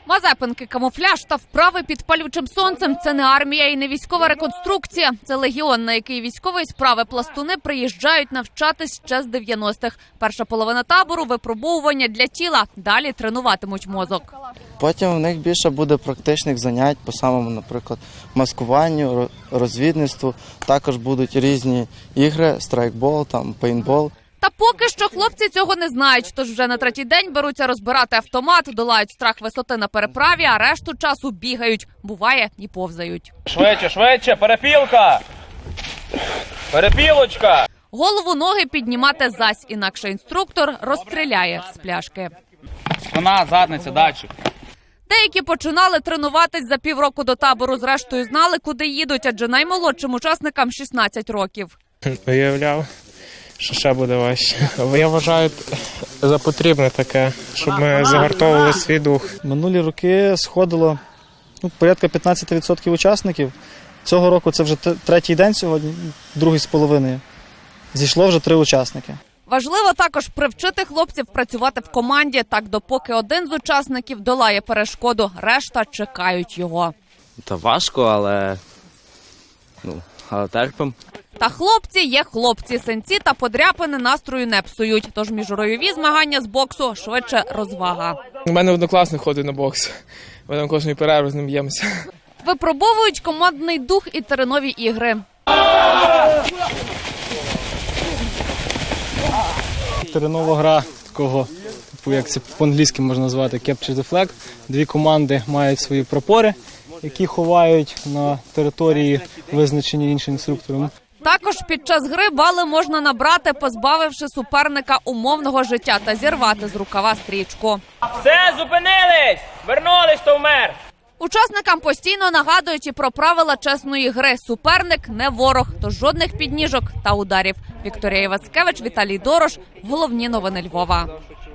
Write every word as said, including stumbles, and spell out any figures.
Мазепинки, камуфляж та вправи під палючим сонцем – це не армія і не військова реконструкція. Це легіон, на який військової справи пластуни приїжджають навчатись ще з дев'яностих. Перша половина табору – випробовування для тіла. Далі тренуватимуть мозок. Потім в них більше буде практичних занять по самому, наприклад, маскуванню, розвідництву. Також будуть різні ігри, страйкбол, там, пейнтбол. Та поки що хлопці цього не знають, тож вже на третій день беруться розбирати автомат, долають страх висоти на переправі, а решту часу бігають. Буває, і повзають. Швидше, швидше, перепілка! Перепілочка! Голову, ноги піднімати зась, інакше інструктор розстріляє з пляшки. Спина, задниця, датчик. Деякі починали тренуватись за півроку до табору, зрештою знали, куди їдуть, адже наймолодшим учасникам шістнадцять років. Уявляв, що ще буде важче. Я вважаю за потрібне таке, щоб ми загартовували свій дух. Минулі роки сходило ну, порядка п'ятнадцять відсотків учасників. Цього року це вже третій день сьогодні, другий з половиною. Зійшло вже три учасники. Важливо також привчити хлопців працювати в команді, так допоки один з учасників долає перешкоду, решта чекають його. Та важко, але, ну, але терпимо. Та хлопці є хлопці, синці та подряпини настрою не псують. Тож міжройові змагання з боксу швидше розвага. У мене однокласник ходить на бокс. Ми там кожної перерви з ним б'ємося. Випробовують командний дух і теренові ігри. Теренова гра такого, типу, як це по-англійськи можна назвати, capture the flag. Дві команди мають свої прапори, які ховають на території, визначені іншим інструктором. Також під час гри бали можна набрати, позбавивши суперника умовного життя та зірвати з рукава стрічку. Все, зупинились! Вернулись, то вмер! Учасникам постійно нагадують і про правила чесної гри. Суперник не ворог, тож жодних підніжок та ударів. Вікторія Івацкевич, Віталій Дорош. Головні новини Львова.